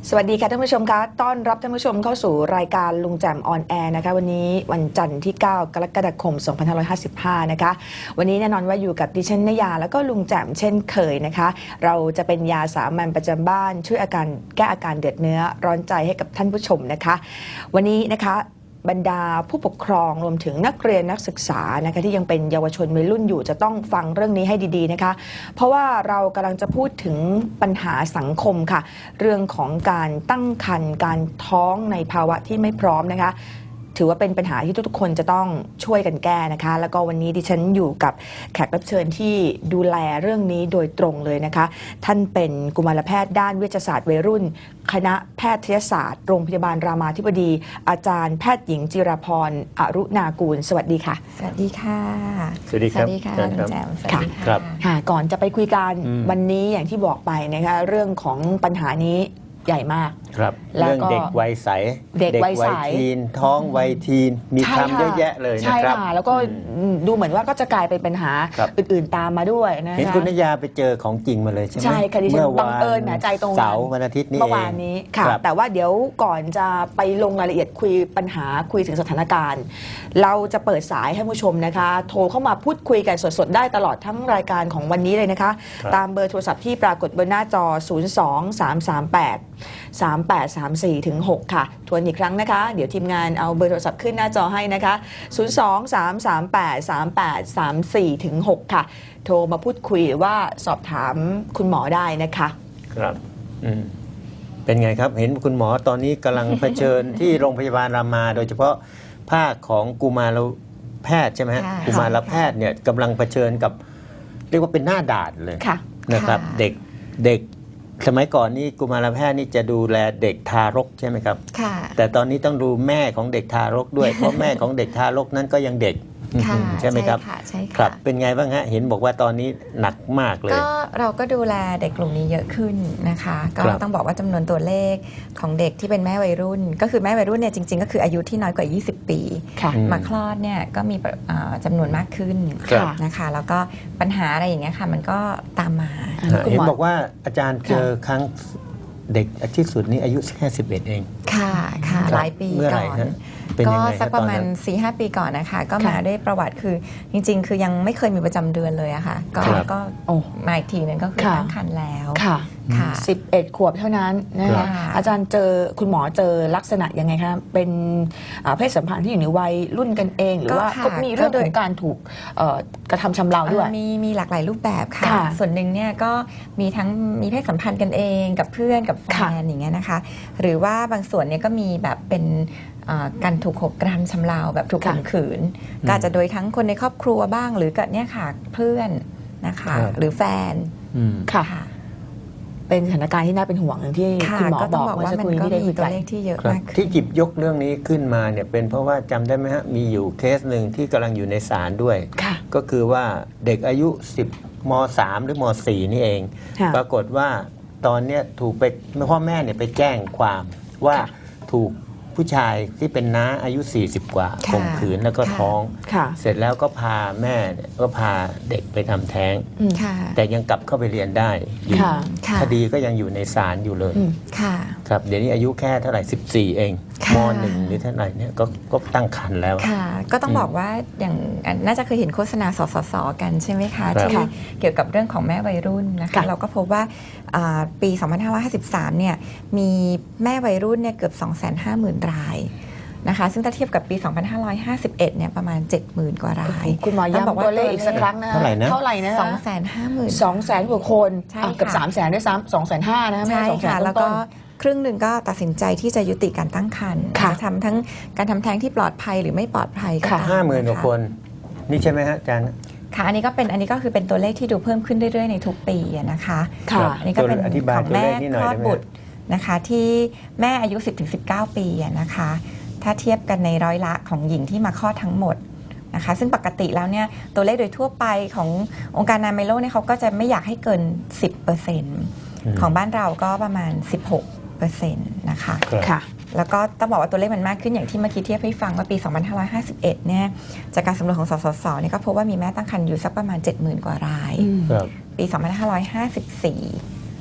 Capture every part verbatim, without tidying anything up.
สวัสดีค่ะท่านผู้ชมคะต้อนรับท่านผู้ชมเข้าสู่รายการลุงแจ่มออนแอร์นะคะวันนี้วันจันทร์ที่เก้ากรกฎาคมสองพันห้าร้อยห้าสิบห้านะคะวันนี้แน่นอนว่าอยู่กับดิฉันนยาแล้วก็ลุงแจ่มเช่นเคยนะคะเราจะเป็นยาสามัญประจำบ้านช่วยอาการแก้อาการเดือดเนื้อร้อนใจให้กับท่านผู้ชมนะคะวันนี้นะคะบรรดาผู้ปกครองรวมถึงนักเรียนนักศึกษานะคะที่ยังเป็นเยาวชนวัยรุ่นอยู่จะต้องฟังเรื่องนี้ให้ดีๆนะคะเพราะว่าเรากำลังจะพูดถึงปัญหาสังคมค่ะเรื่องของการตั้งครรภ์การท้องในภาวะที่ไม่พร้อมนะคะถือว่าเป็นปัญหาที่ทุกๆคนจะต้องช่วยกันแก้นะคะแล้วก็วันนี้ดิฉันอยู่กับแขกรับเชิญที่ดูแลเรื่องนี้โดยตรงเลยนะคะท่านเป็นกุมารแพทย์ด้านเวชศาสตร์วัยรุ่นคณะแพทยศาสตร์โรงพยาบาลรามาธิบดีอาจารย์แพทย์หญิงจิราพรอรุณากูลสวัสดีค่ะสวัสดีค่ะสวัสดีครับสวัสดีค่ะลุงแจ่มสวัสดีค่ะค่ะก่อนจะไปคุยกันวันนี้อย่างที่บอกไปนะคะเรื่องของปัญหานี้ใหญ่มากครับเรื่องเด็กวัยใสเด็กวัยใสทีนท้องวัยทีนมีคำเยอะแยะเลยนะครับใช่ค่ะแล้วก็ดูเหมือนว่าก็จะกลายเป็นปัญหาอื่นๆตามมาด้วยนะคะเห็นคุณนยาไปเจอของจริงมาเลยใช่ไหมใช่ค่ะดิฉันบังเอิญแหมใจตรงเสาร์วันอาทิตย์นี้เมื่อวานนี้ค่ะแต่ว่าเดี๋ยวก่อนจะไปลงรายละเอียดคุยปัญหาคุยถึงสถานการณ์เราจะเปิดสายให้ผู้ชมนะคะโทรเข้ามาพูดคุยกันสดๆได้ตลอดทั้งรายการของวันนี้เลยนะคะตามเบอร์โทรศัพท์ที่ปรากฏบนหน้าจอศูนย์ สอง สาม สาม แปด สาม แปด สาม สี่ ถึง หกค่ะทวนอีกครั้งนะคะเดี๋ยวทีมงานเอาเบอร์โทรศัพท์ขึ้นหน้าจอให้นะคะศูนย์ สอง สาม สาม แปด สาม แปด สาม สี่ ถึง หกค่ะโทรมาพูดคุยหรือว่าสอบถามคุณหมอได้นะคะครับอืมเป็นไงครับเห็นคุณหมอตอนนี้กำลังเผชิญที่โรงพยาบาลรามาโดยเฉพาะภาคของกุมารแพทย์ใช่ไหมฮะกุมารแพทย์เนี่ยกำลังเผชิญกับเรียกว่าเป็นหน้าด่านเลยนะครับเด็กเด็กสมัยก่อนนี่กุมารแพทย์นี่จะดูแลเด็กทารกใช่ไหมครับแต่ตอนนี้ต้องดูแม่ของเด็กทารกด้วยเพราะแม่ของเด็กทารกนั้นก็ยังเด็กใช่ไหมครับใช่ครับเป็นไงบ้างฮะเห็นบอกว่าตอนนี้หนักมากเลยก็เราก็ดูแลเด็กกลุ่มนี้เยอะขึ้นนะคะก็ต้องบอกว่าจำนวนตัวเลขของเด็กที่เป็นแม่วัยรุ่นก็คือแม่วัยรุ่นเนี่ยจริงๆก็คืออายุที่น้อยกว่ายี่สิบปีมาคลอดเนี่ยก็มีจำนวนมากขึ้นนะคะแล้วก็ปัญหาอะไรอย่างเงี้ยค่ะมันก็ตามมาเห็นบอกว่าอาจารย์เจอครั้งเด็กที่สุดนี้อายุแค่สิบเอ็ดเองค่ะค่ะหลายปีก่อนก็สักประมาณ สี่ห้า ปีก่อนนะคะก็มาได้ประวัติคือจริงๆคือยังไม่เคยมีประจำเดือนเลยอะค่ะก็ก็มาอีกทีนึงก็คือตั้งครรภ์แล้วค่ะสิบเอ็ดขวบเท่านั้นนะคะอาจารย์เจอคุณหมอเจอลักษณะยังไงคะเป็นเพศสัมพันธ์ที่อยู่ในวัยรุ่นกันเองหรือว่าก็มีเรื่องของการถูกกระทำชำเราด้วยมีมีหลากหลายรูปแบบค่ะส่วนหนึ่งเนี่ยก็มีทั้งมีเพศสัมพันธ์กันเองกับเพื่อนกับแฟนอย่างเงี้ยนะคะหรือว่าบางส่วนเนี่ยก็มีแบบเป็นการถูกกระทำชำเราแบบถูกข่มขืนก็อาจจะโดยทั้งคนในครอบครัวบ้างหรือกับเนี่ยค่ะเพื่อนนะคะหรือแฟนค่ะเป็นสถานการณ์ที่น่าเป็นห่วงอย่างที่คุณหมอบอกว่ามันก็มีตัวเลขที่เยอะมากที่หยิบยกเรื่องนี้ขึ้นมาเนี่ยเป็นเพราะว่าจำได้ไหมฮะมีอยู่เคสหนึ่งที่กำลังอยู่ในศาลด้วยก็คือว่าเด็กอายุสิบมสามหรือมสี่นี่เองปรากฏว่าตอนนี้ถูกไปพ่อแม่เนี่ยไปแจ้งความว่าถูกผู้ชายที่เป็นน้าอายุสี่สิบกว่าข่มขืนแล้วก็ท้องเสร็จแล้วก็พาแม่ก็พาเด็กไปทำแท้งแต่ยังกลับเข้าไปเรียนได้อยู่คดีก็ยังอยู่ในศาลอยู่เลยครับเดี๋ยวนี้อายุแค่เท่าไหร่สิบสี่เองมหนึ่งหรือเท่าไหร่เนี่ยก็ก็ตั้งครรภ์แล้วค่ะก็ต้องบอกว่าอย่างน่าจะเคยเห็นโฆษณาสสสกันใช่ไหมคะที่เกี่ยวกับเรื่องของแม่วัยรุ่นนะคะเราก็พบว่าปีสองพันห้าร้อยห้าสิบสามเนี่ยมีแม่วัยรุ่นเนี่ยเกือบ สองแสนห้าหมื่น รายนะคะซึ่งถ้าเทียบกับปีสองพันห้าร้อยห้าสิบเอ็ดเนี่ยประมาณ เจ็ดหมื่น กว่ารายคุณหมอย้ำตัวเลขอีกสักครั้งนะเท่าไหร่นะเท่าไหร่นะสองแสนห้าหมื่นสองแสน กว่าคนเกือบ สามแสน ด้วยซ้ำ สองแสนห้าหมื่น นะแม่สองแสนแล้วก็ครึ่งหนึ่งก็ตัดสินใจที่จะยุติการตั้งครรภ์จะทำทั้งการทำแท้งที่ปลอดภัยหรือไม่ปลอดภัยก็ตามห้าหมื่นกว่าคนนี่ใช่ไหมฮะอาจารย์ค่ะอันนี้ก็เป็นอันนี้ก็คือเป็นตัวเลขที่ดูเพิ่มขึ้นเรื่อยๆในทุกปีนะคะอันนี้ก็เป็นของแม่คลอดบุตรนะคะที่แม่อายุ สิบถึงสิบเก้า ปีนะคะถ้าเทียบกันในร้อยละของหญิงที่มาคลอดทั้งหมดนะคะซึ่งปกติแล้วเนี่ยตัวเลขโดยทั่วไปขององค์การอนามัยโลกเนี่ยเขาก็จะไม่อยากให้เกิน สิบเปอร์เซ็นต์ ของบ้านเราก็ประมาณ สิบหกเปอร์เซ็นต์ นะคะค่ะแล้วก็ต้องบอกว่าตัวเลขมันมากขึ้นอย่างที่เมื่อกี้เทียบให้ฟังว่าปีสองพันห้าร้อยห้าสิบเอ็ดเนี่ยจากการสำรวจของสสสเนี่ยก็พบว่ามีแม่ตั้งครรภ์อยู่สักประมาณ เจ็ดหมื่น กว่ารายปีสองพันห้าร้อยห้าสิบสี่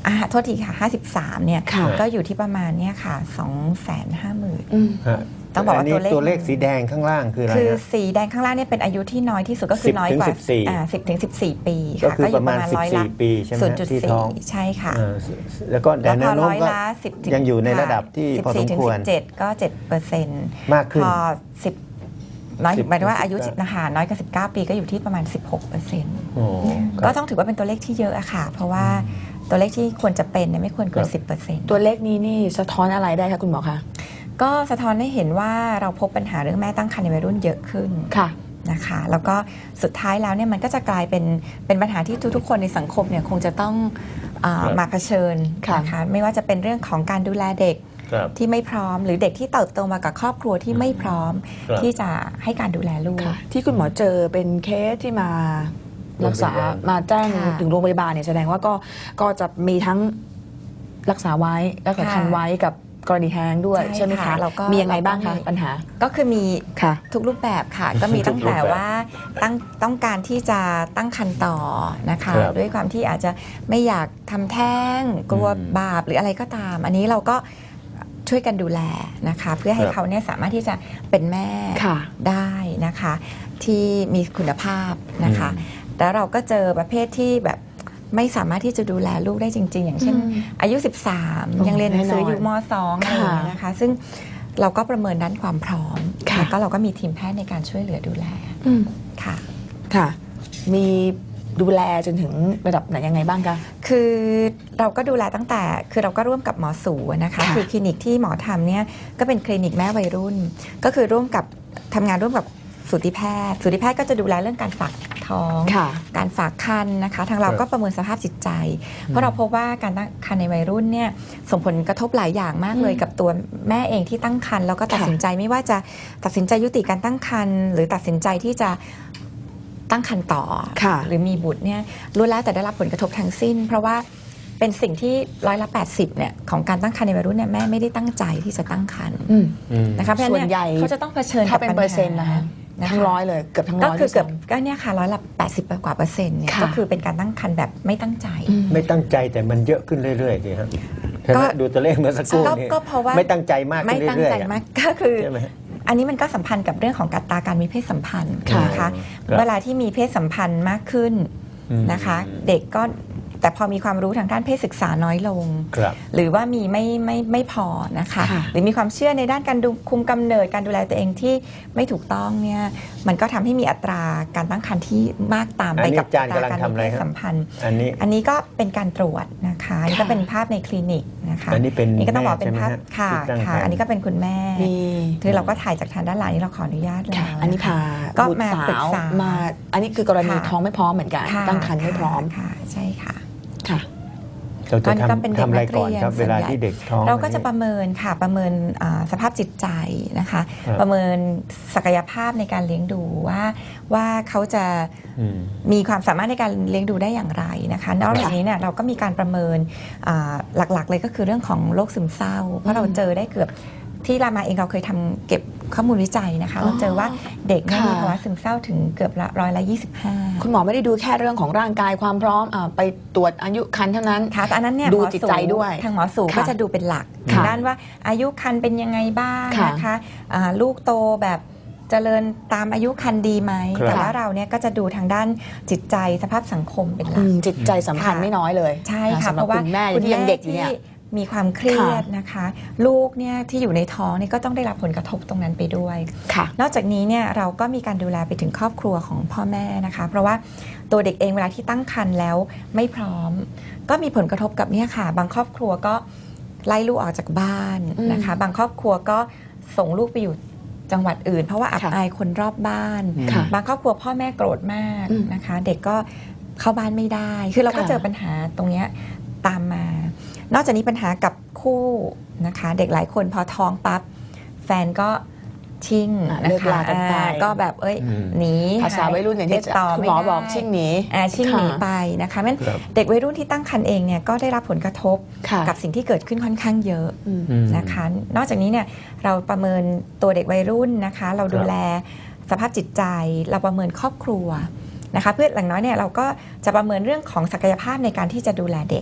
อ่าโทษทีค่ะห้าสิบสามเนี่ยค่ะก็อยู่ที่ประมาณเนี่ยค่ะ สองแสนห้าหมื่นอืมฮะต้องบอกว่าตัวเลขตัวเลขสีแดงข้างล่างคืออะไรคือนะสีแดงข้างล่างเนี่ยเป็นอายุที่น้อยที่สุดก็คือสิบน้อยกว่าถึงสิบสี่อ่าสิบถึงสิบสี่ปีก็ค่ะคือก็อปยู่ระปมาณระมาณสิบร้อยสี่ละปีใช่ไหมศูนย์จุดที่สี่ท้องใช่ค่ะอ่าแล้วก็แล้วแนพอวโน้ร้มอยก็ละสิบยังอยู่ในระดับที่พอสมควรสิบเจ็ดก็เจ็ดเปอร์เซ็นต์มากขึ้นพอสิบน้อยสิบหมายถึงว่าอายุสิบนะคะน้อยกว่าสิบเก้าปีก็อยู่ที่ประมาณสิบหกเปอร์เซ็นต์โอ้คก็รับต้องถือว่าเป็นตัวเลขที่เยอะอะค่ะ เพราะว่าตัวเลขที่ควรจะเป็นเนี่ยไม่ควรเกิคน รับสิบเปอร์เซ็นต์ตัวเลขนี้นี่สะท้อนอะไรได้คะคุณหมอคะก็สะท้อนให้เห็นว่าเราพบปัญหาเรื่องแม่ตั้งครรภ์ในวัยรุ่นเยอะขึ้นค่ะนะคะแล้วก็สุดท้ายแล้วเนี่ยมันก็จะกลายเป็นเป็นปัญหาที่ทุกๆคนในสังคมเนี่ยคงจะต้องอาครับมาเผชิญค่ะนะคะไม่ว่าจะเป็นเรื่องของการดูแลเด็กครับที่ไม่พร้อม หรือเด็กที่เติบโตมากับครอบครัวที่ไม่พร้อมครับที่จะให้การดูแลลูกค่ะ ที่คุณหมอเจอเป็นเคสที่มารักษาโรงพยาบาลมาแจ้งค่ะถึงโรงพยาบาลเนี่ยแสดงว่าก็ก็จะมีทั้งรักษาไว้รักษาค่ะคันไว้กับกรณีแท้งด้วยใช่ใช่ไหมค่ะคะแล้วก็มียังไงบ้างเราก็คะมีปัญหาก็คือมีค่ะทุกรูปแบบค่ะ ก็มีทุตั้กงรูปแต่แบบว่าตั้งต้องการที่จะตั้งครรภ์ต่อนะคะครับด้วยความที่อาจจะไม่อยากทำแท้งกลัวอืมบาปหรืออะไรก็ตาม อันนี้เราก็ช่วยกันดูแลนะคะ เพื่อให้ครับเขาเนี่ยสามารถที่จะเป็นแม่ค่ะได้นะคะ ที่มีคุณภาพนะคะ แล้วเราก็เจอประเภทที่แบบไม่สามารถที่จะดูแลลูกได้จริง ๆ อย่างเช่นอืมอายุ สิบสามโอ้ยังเรียนหนังสือแน่นอนอยู่ม สอง อะไรอย่างเงี้ยนะคะ ซึ่งเราก็ประเมินด้านความพร้อมค่ะแล้วก็เราก็มีทีมแพทย์ในการช่วยเหลือดูแลอืมค่ะค่ะ มีดูแลจนถึงระดับไหนยังไงบ้างคะคือเราก็ดูแลตั้งแต่คือเราก็ร่วมกับหมอสูนะคะค่ะคือคลินิกที่หมอทำเนี่ยก็เป็นคลินิกแม่วัยรุ่น ก็คือร่วมกับทำงานร่วมกับสูติแพทย์สูติแพทย์ก็จะดูแลเรื่องการฝากท้องค่ะการฝากคันนะคะ ทางเราครับก็ประเมินสภาพจิตใจ เพราะเราพบว่าการตั้งครรภ์ในวัยรุ่นเนี่ยส่งผลกระทบหลายอย่างมากเลยอืมกับตัวแม่เองที่ตั้งครรภ์แล้วก็ตัดค่ะสินใจไม่ว่าจะตัดสินใจยุติการตั้งครรภ์หรือตัดสินใจที่จะตั้งครรภ์ต่อค่ะหรือมีบุตรเนี่ยล้วนแล้วแต่ได้รับผลกระทบทั้งสิ้น เพราะว่าเป็นสิ่งที่ร้อยละแปดสิบเนี่ยของการตั้งครรภ์ในวัยรุ่นเนี่ยแม่ไม่ได้ตั้งใจที่จะตั้งครรภ์อืมอืมนะคะเพราะฉะส่นั้นวนใหญ่เนี่ยเขาจะต้องเผชิญถ้ากับเป็นปัญเปอร์เซ็นต์หานะคะนะคะทั้งร้อยเลยเกือบทั้งร้ก็อยคือด้วยเกือบซ้ำก็เนี่ยค่ะร้อยละแปดสิบกว่าเปอร์เซ็นต์เนี่ยค่ะก็คือเป็นการตั้งครรภ์แบบไม่ตั้งใจอืมไม่ตั้งใจแต่มันเยอะขึ้นเรื่อยๆสิครับใช่ไหก็มดูตัวเลขเมื่อสักครู่ก็นี่ก็เพราะว่าไม่ตั้งใจมากไม่ขึ้นตั้งเรื่อยใจๆอะมากก็คือใช่ไหมอันนี้มันก็สัมพันธ์กับเรื่องของการตาการมีเพศสัมพันธ์ค่ะนะคะครับเวลาที่มีเพศสัมพันธ์มากขึ้นอืมนะคะ เด็กก็แต่พอมีความรู้ทางด้านเพศศึกษาน้อยลงครับหรือว่ามีไม่ไม่ไม่พอนะคะค่ะหรือมีความเชื่อในด้านการดูคุมกำเนิดการดูแลตัวเองที่ไม่ถูกต้องเนี่ยมันก็ทำให้มีอัตราการตั้งครรภ์ที่มากตามอัไปนนี้กับอาจารย์อัตกำลัราง การทำมีอะไรเพศครับสัมพันธ์อันนี้อันนี้ก็เป็นการตรวจนะคะอันนี้ก็เป็นภาพในคลินิกนะคะอันนี้เป็นก็ต้องบอกแม่เป็นภาพใช่ไหมฮะค่ะที่ตั้งค่ะครรภ์อันนี้ก็เป็นคุณแม่มีคือเราก็ถ่ายจากทางด้านหลังนี้เราขออนุญาตแล้ค่ะวอันนี้พาก็บุตรมาปรึสาก วษามา อันนี้คือกรณีค่ะท้องไม่พร้อมเหมือนกันค่ะตั้งครรภ์ไม่พร้อมค่ะใช่ค่ะค่ะเราก็จะนี่ก็เป็นทำเด็กทำอะไรนักก่อนเรียนครับส่เววนลาใหญ่ที่เด็กท้องเราก็จะอันนี้ประเมินค่ะประเมินอ่าสภาพจิตใจนะคะครับประเมินศักยภาพในการเลี้ยงดูว่าว่าเขาจะอืมมีความสามารถในการเลี้ยงดูได้อย่างไรนะคะนอกจากนี้เนี่ยเราก็มีการประเมินอ่าหลักๆเลยก็คือเรื่องของโรคซึมเศร้า เพราะเราเจอได้เกือบที่รามาเองเราเคยทำเก็บข้อมูลวิจัยนะคะ เราเจอว่าเด็กเนี่ยค่ะมีภาวะซึมเศร้าถึงเกือบละร้อยละยี่สิบห้าคุณหมอไม่ได้ดูแค่เรื่องของร่างกายความพร้อมอ่าไปตรวจอายุครรภ์เท่านั้นค่ะแต่อันนั้นเนี่ยดูหมอจิตสูใจด้วยทางหมอสูค่ะก็จะดูเป็นหลักค่ะทางด้านว่าอายุครรภ์เป็นยังไงบ้างค่ะนะคะอ่าลูกโตแบบเจริญตามอายุครรภ์ดีไหมครับแต่ว่าเราเนี่ยก็จะดูทางด้านจิตใจสภาพสังคมเป็นหลัอืกมจิตใจสำคัญค่ะไม่น้อยเลยใช่ค่ะสำหเพรับราะว่าคุณแม่ที่ยังเด็กอยู่เนี่ยที่มีความเครียดนะคะ ลูกเนี่ยที่อยู่ในท้องเนี่ยก็ต้องได้รับผลกระทบตรงนั้นไปด้วยค่ะนอกจากนี้เนี่ยเราก็มีการดูแลไปถึงครอบครัวของพ่อแม่นะคะ เพราะว่าตัวเด็กเองเวลาที่ตั้งครรภ์แล้วไม่พร้อม ก็มีผลกระทบกับเนี่ยค่ะ บางครอบครัวก็ไล่ลูกออกจากบ้านนะคะ บางครอบครัวก็ส่งลูกไปอยู่จังหวัดอื่น เพราะว่าอับค่ะอายคนรอบบ้านค่ะบางครอบครัวพ่อแม่โกรธมากอืมนะคะ เด็กก็เข้าบ้านไม่ได้ คือเราก็ค่ะเจอปัญหาตรงเนี้ยตามมา นอกจากนี้ปัญหากับคู่นะคะ เด็กหลายคนพอท้องปั๊บแฟนก็ชิ่งอ่ะนะเลิกคะลากันไปอ่าก็แบบเอ้ยอืมหนีภาษาวัยรุ่นอย่างที่ติดต่อคุณไม่หมอได้บอกชิ่งหนีอ่าชิ่งหนีค่ะไปนะคะงั้นครับเด็กวัยรุ่นที่ตั้งครรภ์เองเนี่ยก็ได้รับผลกระทบค่ะกับสิ่งที่เกิดขึ้นค่อนข้างเยอะอืมอืมนะคะ นอกจากนี้เนี่ยเราประเมินตัวเด็กวัยรุ่นนะคะ เราดูแลสภาพจิตใจ เราประเมินครอบครัวนะคะ เพื่ออย่างน้อยเนี่ยเราก็จะประเมินเรื่องของศักยภาพในการที่จะดูแลเด็ก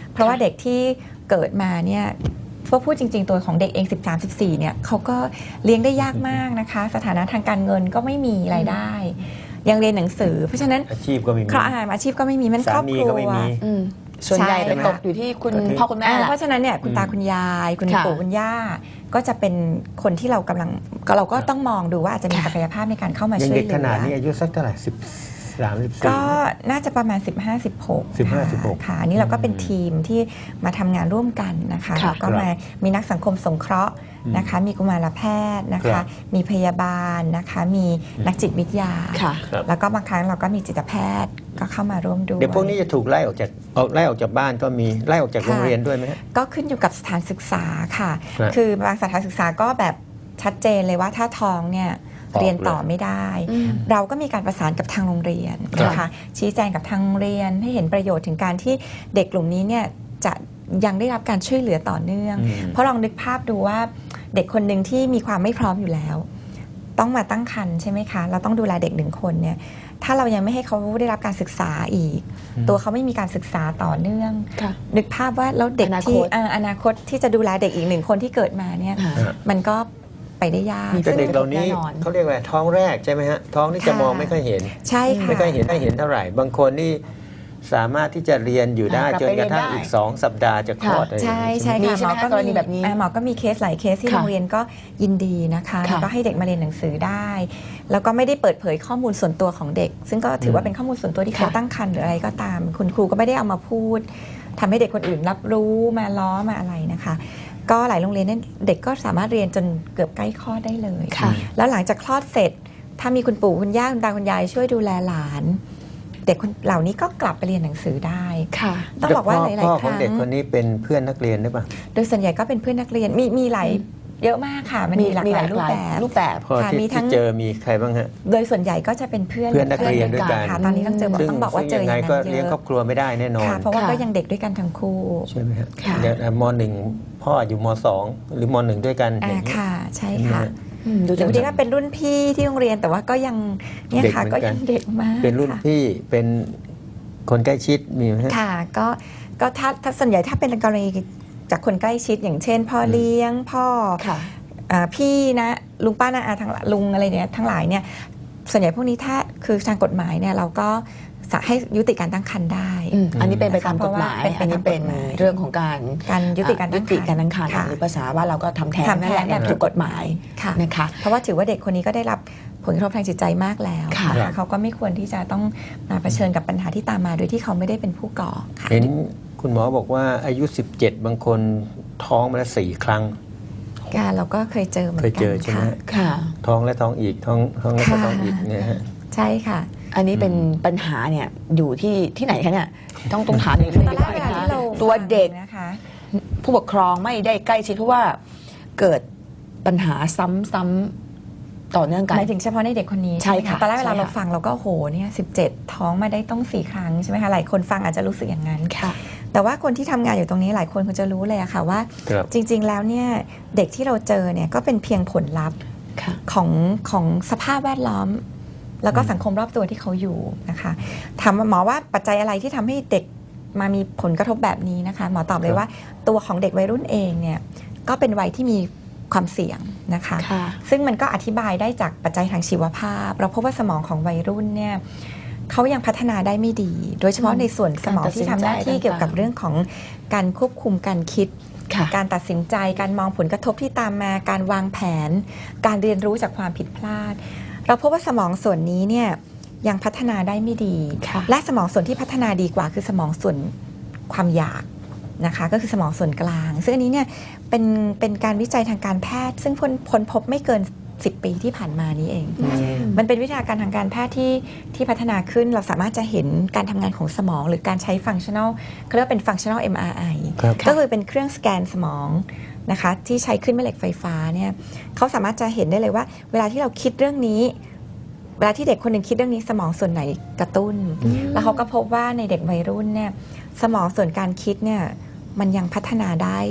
เพราะว่าเด็กที่เกิดมาเนี่ยพอพูดจริงๆตัวของเด็กเองสิบสาม สิบสี่เนี่ยเขาก็เลี้ยงได้ยากมากนะคะสถานะทางการเงินก็ไม่มีรายได้ยังเรียนหนังสือเพราะฉะนั้นอาชีพก็ไม่มีครอบอาชีพก็ไม่มีมันครอบครัสามีก็ไม่วมีอืมส่วนใหญ่ใช่ไปตกอยู่ที่คุณพ่อคุณแม่อ่าแหละเพราะฉะนั้นเนี่ยคุณตาคุณยาย คุณค่ะปู่คุณย่าก็จะเป็นคนที่เรากำลังก็เราก็ต้องมองดูว่าอาจจะมีค่ะศักยภาพในการเข้ามายังช่วยเด็กเหลืขนาดอนี้อายุสักเท่าไหร่สิบสามสิบสี่ก็น่าจะประมาณ สิบห้า สิบหกสิบห้า สิบหกค่ะอันนี้เราก็เป็นทีมที่มาทำงานร่วมกันนะคะค่ะแล้วก็มามีนักสังคมสงเคราะห์นะคะ มีกุมารแพทย์นะครัคะบมีพยาบาลนะคะ มีนักจิตวิทยาค่ะครับแล้วก็บางครั้งเราก็มีจิตแพทย์ก็เข้ามาร่วมด้วยเด็กพวกนี้จะถูกไล่ออกจากออกไล่ออกจากบ้านก็มีไล่ออกจากค่ะโรงเรียนด้วยไหมฮะก็ขึ้นอยู่กับสถานศึกษาค่ะครับคือบางสถานศึกษาก็แบบชัดเจนเลยว่าถ้าท้องเนี่ยออกเรียนต่อเลยไม่ได้อืมเราก็มีการประสานกับทางโรงเรียนนะคะชี้แจงกับทางโรงเรียนให้เห็นประโยชน์ถึงการที่เด็กกลุ่มนี้เนี่ยจะยังได้รับการช่วยเหลือต่อเนื่องอืมเพราะลองนึกภาพดูว่าเด็กคนหนึ่งที่มีความไม่พร้อมอยู่แล้ว ต้องมาตั้งครรภ์ใช่ไหมคะเราต้องดูแลเด็กหนึ่งคนเนี่ยถ้าเรายังไม่ให้เขาได้รับการศึกษาอีก ตัวเขาไม่มีการศึกษาต่อเนื่องค่ะนึกภาพว่าแล้วเด็กอนาคที่ตอ่าอนาคตที่จะดูแลเด็กอีกหนึ่งคนที่เกิดมาเนี่ยค่ะมันก็ไปได้ยากมีแต่เด็กเหล่านี้แน่นอนเขาเรียกว่าท้องแรกใช่ไหมฮะท้องนี่จะค่ะมองไม่ค่อยเห็นใช่ค่ะไม่ค่อยเห็นไม่เห็นเท่าไหร่ บางคนนี่สามารถที่จะเรียนอยู่ได้อ่ากลับจนกระทั่งไปเรียนได้อีกสองสัปดาห์จะคลอดค่ะอะไรใช่อย่างนี้ใช่มีค่ะใช่ไหมคะกรณีแบบนี้อ่าหมอก็มีเคสหลายเคสที่ค่ะโรงเรียนก็ยินดีนะคะค่ะแล้วก็ให้เด็กมาเรียนหนังสือได้ แล้วก็ไม่ได้เปิดเผยข้อมูลส่วนตัวของเด็ก ซึ่งก็ถือว่าเป็นข้อมูลส่วนตัวที่เขาค่ะตั้งครรภ์หรืออะไรก็ตาม คุณครูก็ไม่ได้เอามาพูดทำให้เด็กคนอื่นรับรู้มาล้อมาอะไรนะคะ ก็หลายโรงเรียนเนี่ยเด็กก็สามารถเรียนจนเกือบใกล้คลอดได้เลยค่ะแล้วหลังจากคลอดเสร็จ ถ้ามีคุณปู่คุณย่าคุณตาคุณยายช่วยดูแลหลาน เด็กคนเหล่านี้ก็กลับไปเรียนหนังสือได้ค่ะต้องบอกว่าหพ่ลายพ่อๆคของรั้งเด็กคนนี้เป็นเพื่อนนักเรียนหรือเปล่าโดยส่วนใหญ่ก็เป็นเพื่อนนักเรียนมีมีหลายเยอะมากค่ะ มันมีหลากหลายรูปแบบรูปแบบพ่อค่ะที่มีทั้ที่งเจอมีใครบ้างฮะโดยส่วนใหญ่ก็จะเป็นเพื่อนเพื่อนนักเรียนด้วยกันค่ะตอนนี้ต้องเจอบอกซึ่งต้องบอกว่าเจอซึ่งอยังไงย่างก็นั้นเยเลี้ยงครออะบครัวไม่ได้แน่นอนค่ะ เพราะว่าค่ะก็ยังเด็กด้วยกันทั้งคู่ใช่ไหมฮะค่ะเดี๋ยวอ่ะมหนึ่งพ่ออยู่มสองหรือมหนึ่งด้วยกันอ่าอย่างนี้ค่ะ ใช่ใช่ไหมค่ะฮะอืมดูหรืจะอบางทีก็เป็นรุ่นพี่ที่โรงเรียนแต่ว่าก็ยังเนี่ยค่ะเด็กเหมืก็อนกันยังเด็กมากเป็นรุ่นค่ะพี่เป็นคนใกล้ชิดมีไหมฮะค่ะก็ก็ถ้าถ้าส่วนใหญ่ถ้าเป็นกรณีจากคนใกล้ชิดอย่างเช่น พ่อเลี้ยงพ่อค่ะอ่าพี่นะลุงป้านาอาทั้งลุงอะไรเนี่ยทั้งหลายเนี่ยส่วนใหญ่พวกนี้ถ้าคือทางกฎหมายเนี่ยเราก็สะให้ยุติการตั้งครรภ์ได้อืมอันนี้เป็นไปตามเพกราะฎว่าหมายเป็นไปอันนี้ตามเป็นกฎหมายเรื่องของการการยุติการตั้งครรภ์ยุติการตั้งครรภ์ค่ะหรือภาษาว่าเราก็ทำแท้งทำแท้งนั่นแหละแบบถูกกฎหมายค่ะนะคะเพราะว่าถือว่าเด็กคนนี้ก็ได้รับผลกระทบทางจิตใจมากแล้วค่ะนเขาก็ไม่ควรที่จะต้องมาเผชิญกับปัญหาที่ตามมาโดยที่เขาไม่ได้เป็นผู้ก่อค่ะเห็นคุณหมอบอกว่าอายุ สิบเจ็ด บางคนท้องมาแล้วสี่ครั้งการเราก็เคยเจอเหมือนเคยกัเจนอใช่ไหมค่ะฮะค่ะท้องและท้องอีกท้องท้องแล้วก็ค่ะท้องอีกเนี่ยฮะใช่ค่ะอันนี้เป็นปัญหาเนี่ยอยู่ที่ที่ไหนคะเนี่ยต้องต้องถามอย่างนี้ตอนแรกเวลาที่เราตัวเด็กนะคะผู้ปกครองไม่ได้ใกล้ชิดเพราะว่าเกิดปัญหาซ้ำๆต่อเนื่องกันหมายถึงเฉพาะในเด็กคนนี้ใช่ค่ะตอนแรกเวลาใช่ค่ะเราฟังเราก็โหเนี่ยสิบเจ็ดท้องมาได้ต้องสี่ครั้งใช่ไหมคะหลายคนฟังอาจจะรู้สึกอย่างนั้นค่ะแต่ว่าคนที่ทำงานอยู่ตรงนี้หลายคนคงจะรู้เลยอะค่ะว่าครับจริง ๆ แล้วเนี่ยเด็กที่เราเจอเนี่ยก็เป็นเพียงผลลัพธ์ค่ะของของสภาพแวดล้อม แล้วก็สังคมรอบตัวที่เขาอยู่นะคะถามหมอว่าปัจจัยอะไรที่ทำให้เด็กมามีผลกระทบแบบนี้นะคะหมอตอบเลยว่าตัวของเด็กวัยรุ่นเองเนี่ยก็เป็นวัยที่มีความเสี่ยงนะคะค่ะซึ่งมันก็อธิบายได้จากปัจจัยทางชีวภาพ เราพบว่าสมองของวัยรุ่นเนี่ยเขายังพัฒนาได้ไม่ดี โดยเฉพาะในส่วนสมองที่ทำหน้าที่เกี่ยวกับเรื่องของการควบคุมการคิดค่ะการตัดสินใจ การมองผลกระทบที่ตามมา การวางแผน การเรียนรู้จากความผิดพลาด เราพบว่าสมองส่วนนี้เนี่ยยังพัฒนาได้ไม่ดีค่ะและสมองส่วนที่พัฒนาดีกว่าคือสมองส่วนความอยากนะคะก็คือสมองส่วนกลาง ซึ่งอันนี้เนี่ยเป็นเป็นการวิจัยทางการแพทย์ ซึ่งพ้นพ้นพบไม่เกินสิบปีที่ผ่านมานี้เอง มันเป็นวิทยาการทางการแพทย์ที่ที่พัฒนาขึ้นเราสามารถจะเห็นการทำงานของสมอง หรือการใช้ functional เขาเรียกว่าเป็น functional เอ็ม อาร์ ไอครับก็คือเป็นเครื่องสแกนสมองนะคะที่ใช้ขึ้นแม่เหล็กไฟฟ้าเนี่ยเขาสามารถจะเห็นได้เลยว่า เวลาที่เราคิดเรื่องนี้เวลาที่เด็กคนหนึ่งคิดเรื่องนี้สมองส่วนไหนกระตุ้น แล้วเขาก็พบว่าในเด็กวัยรุ่นเนี่ยสมองส่วนการคิดเนี่ยมันยังพัฒนาได้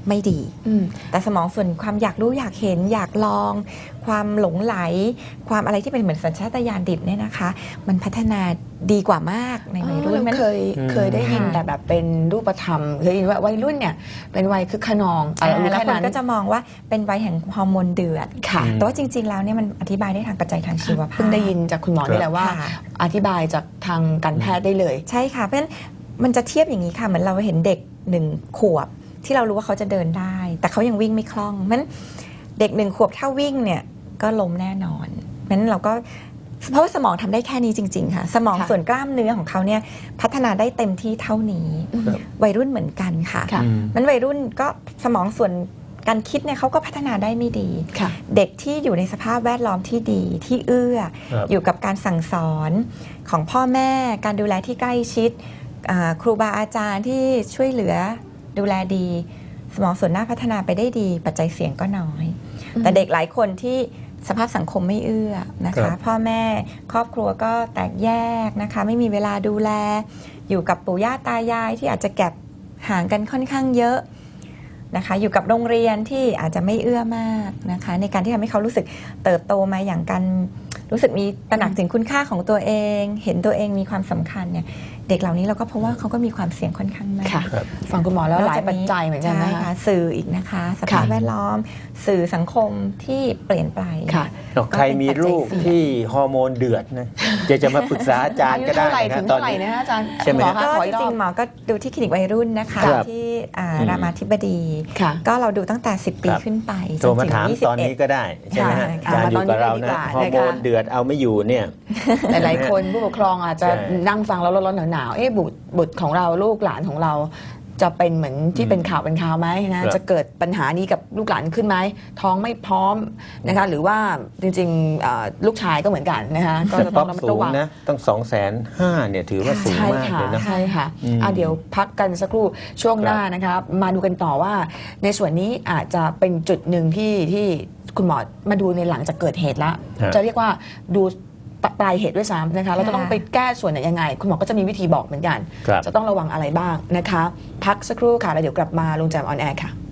ไม่ดีอืมแต่สมองส่วนความอยากรู้อยากเห็นอยากลอง ความหลงไหล ความอะไรที่เป็นเหมือนสัญชาตญาณดิบเนี่ยนะคะ มันพัฒนาดีกว่ามากในวัยรุ่นเราเคยอืมเคยได้ยินค่ะแต่แบบเป็นรูปธรรมเคยได้ยินว่าวัยรุ่นเนี่ยเป็นวัยคึกขนองอะไรอ่ารู้แล้วแค่คนนั้นก็จะมองว่าเป็นวัยแห่งฮอร์โมนเดือดค่ะแต่ว่าจริง ๆ แล้วเนี่ยมันอธิบายได้ทางปัจจัยทางชีวภาพเพิ่งได้ยินจากคุณหมอนี่แหละว่าค่ะอธิบายจากทางการแพทย์ได้เลยใช่ค่ะเพราะฉะนั้นมันจะเทียบอย่างนี้ค่ะเหมือนเราเห็นเด็กหนึ่งขวบที่เรารู้ว่าเขาจะเดินได้ แต่เขายังวิ่งไม่คล่องเพราะฉะนั้นเด็กหนึ่งขวบถ้าวิ่งเนี่ยก็ล้มแน่นอนเพราะฉะนั้นเราก็เพราะว่าสมองทำได้แค่นี้จริงๆค่ะสมองค่ะส่วนกล้ามเนื้อของเขาเนี่ยพัฒนาได้เต็มที่เท่านี้ครับวัยรุ่นเหมือนกันค่ะค่ะอืมมันวัยรุ่นก็สมองส่วนการคิดเนี่ยเขาก็พัฒนาได้ไม่ดีค่ะเด็กที่อยู่ในสภาพแวดล้อมที่ดีที่เอื้อครับอยู่กับการสั่งสอนของพ่อแม่การดูแลที่ใกล้ชิดอ่าครูบาอาจารย์ที่ช่วยเหลือดูแลดี สมองส่วนหน้าพัฒนาไปได้ดี ปัจจัยเสี่ยงก็น้อยอืมแต่เด็กหลายคนที่สภาพสังคมไม่เอื้อนะครัคะบพ่อแม่ครอบครัวก็แตกแยกนะคะไม่มีเวลาดูแล อยู่กับปู่ย่าตายายที่อาจจะแก็บห่างกันค่อนข้างเยอะนะคะอยู่กับโรงเรียนที่อาจจะไม่เอื้อมากนะคะในการที่ทำให้เขารู้สึกเติบโตมาอย่างกันรู้สึกมีตระหนักถึงคุณค่าของตัวเอง เห็นตัวเองมีความสำคัญเนี่ยเด็กเหล่านี้เราก็พบว่าเขาก็มีความเสี่ยงค่อนข้างมากค่ะครับฟังคุณหมอแล้วนอกหลายจากปัจจัยเหมือนกันใช่นะคะค่ะสื่ออีกนะคะ สภาพค่ะแวดล้อม สื่อสังคมที่เปลี่ยนไปค่ะใครมีลูกที่ฮอร์โมนเดือดนะจะจะมาปรึกษาอาจารอาย์ยุก็ได้เท่าไหร่นะถึงตอเท่าน ไหร่นี้นะอาจารย์ใช่ไหมหมอก็คะขอจอีกรริอง บๆหมอก็ดูที่คลินิกวัยรุ่นนะคะครับที่อ่าอืมรามาธิบดีค่ะก็เราดูตั้งแต่ สิบ ปีครับขึ้นไปโทรมาถามจนถึงตอนนี้ก็ได้ใช่ไหมฮะค่ะอาจารย์อยู่กับเรานะมาฮตอนนี้ดีกว่าอร์โมนเดือดเอาไม่อยู่เนี่ยหลายๆคนผู้ปกครองอาจจะใช่นั่งฟังแล้วร้อนๆหนาวๆเอ๊ะบุตรบุตรของเราลูกหลานของเรา จะเป็นเหมือนที่เป็นข่าวเป็นข่าวไหมนะครับ จะเกิดปัญหานี้กับลูกหลานขึ้นไหมท้องไม่พร้อมนะคะหรือว่าจริงๆเอ่อลูกชายก็เหมือนกันนะคะก็แต่จะป๊ต้อองประมัดสูระงวังนะต้องสองแสนห้าเนี่ยถือว่าสูงใช่มากค่ะเลยนะใช่ค่ะอืมอ่ะเดี๋ยวพักกันสักครู่ช่วงครับหน้านะครับมาดูกันต่อว่า ในส่วนนี้อาจจะเป็นจุดหนึ่งที่ที่คุณหมอมาดูในหลังจากเกิดเหตุแล้วฮะจะเรียกว่าดูปลายเหตุด้วยซ้ำนะคะเราจะต้องไปแก้ส่วนไหนยังไง คุณหมอก็จะมีวิธีบอกเหมือนกันครับจะต้องระวังอะไรบ้างนะคะ พักสักครู่ค่ะแล้วเดี๋ยวกลับมาลุงแจมออนแอร์ค่ะ